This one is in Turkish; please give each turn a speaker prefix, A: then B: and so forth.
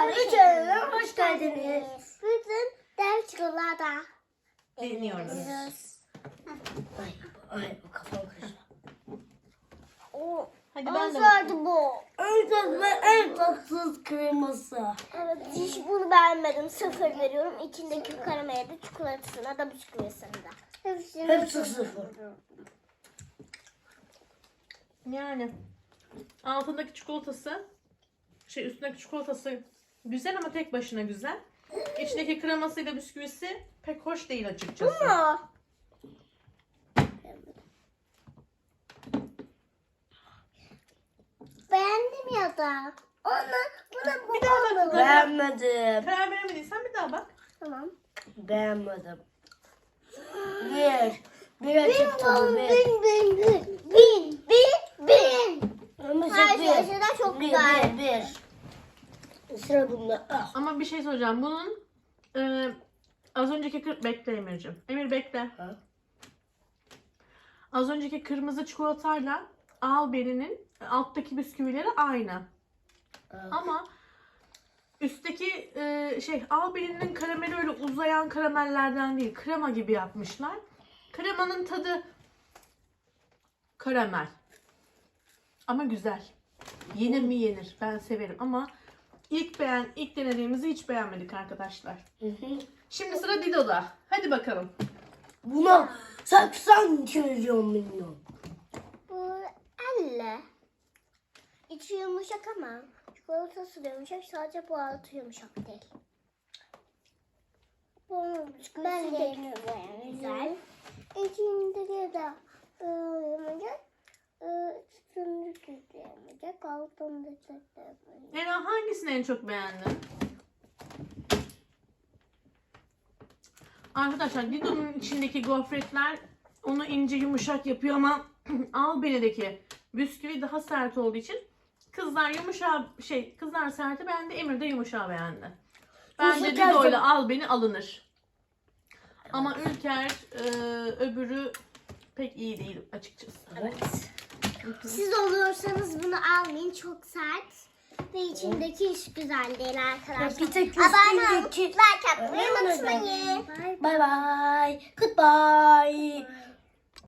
A: Üçüncü hoş geldiniz. Bugün dev çikolata
B: Deniyoruz.
A: Ay bu kafam karıştı.
B: Hadi ben de bakayım.
A: bu. En tatlı ve en tatsız kreması. Evet, hiç bunu beğenmedim. 0 veriyorum. İçindeki karamele de çikolatasına da bisküvisine de. Hepsi 0.
B: Yani altındaki çikolatası, üstündeki çikolatası güzel ama tek başına güzel. İçindeki kremasıyla bisküvisi pek hoş değil açıkçası.
A: Ama beğendim ya da. Buna
B: Bir daha bakalım.
A: beğenmedim.
B: Karar veremediysen bir daha bak.
A: Tamam.
C: Beğenmedim. Bir çıktı bu bir.
A: Bin.
C: Ama
A: Her
C: bir.
A: şey de çok güzel.
C: Bir. Sıra bunda. Ah.
B: Ama bir şey soracağım. Bunun az önceki bekle Emir'cim. Emir bekle.
C: Ha?
B: Az önceki kırmızı çikolatayla Albeninin alttaki bisküvileri aynı. Ama üstteki Albeninin karameli öyle uzayan karamellerden değil. Krema gibi yapmışlar. Kremanın tadı karamel. Ama güzel. Yenir mi yenir. Ben severim ama ilk denediğimizi hiç beğenmedik arkadaşlar. Şimdi sıra Dido'da. Hadi bakalım.
C: Buna 80 milyon.
A: Bu elle. İçi yumuşak ama çikolatası da yumuşak. Sadece bu altı yumuşak değil. Ben de güzel. İçindeki de yumuşak. Üstündeki de yumuşak. Altındaki de yumuşak.
B: Ela hangisini en çok beğendin? Arkadaşlar Dido'nun içindeki gofretler onu ince yumuşak yapıyor ama Albenideki bisküvi daha sert olduğu için kızlar kızlar serti beğendi, Emir de yumuşağı beğendi. Bence Dido ile Albeni alınır. Ama Ülker öbürü pek iyi değil açıkçası.
A: Evet. Siz olursanız bunu almayın. Çok sert. Ve içindeki hiç güzel değil arkadaşlar.
C: Bir tek
A: Abone olup
C: üstündeki.
A: like atmayı unutmayın.
C: Bye bye. Goodbye.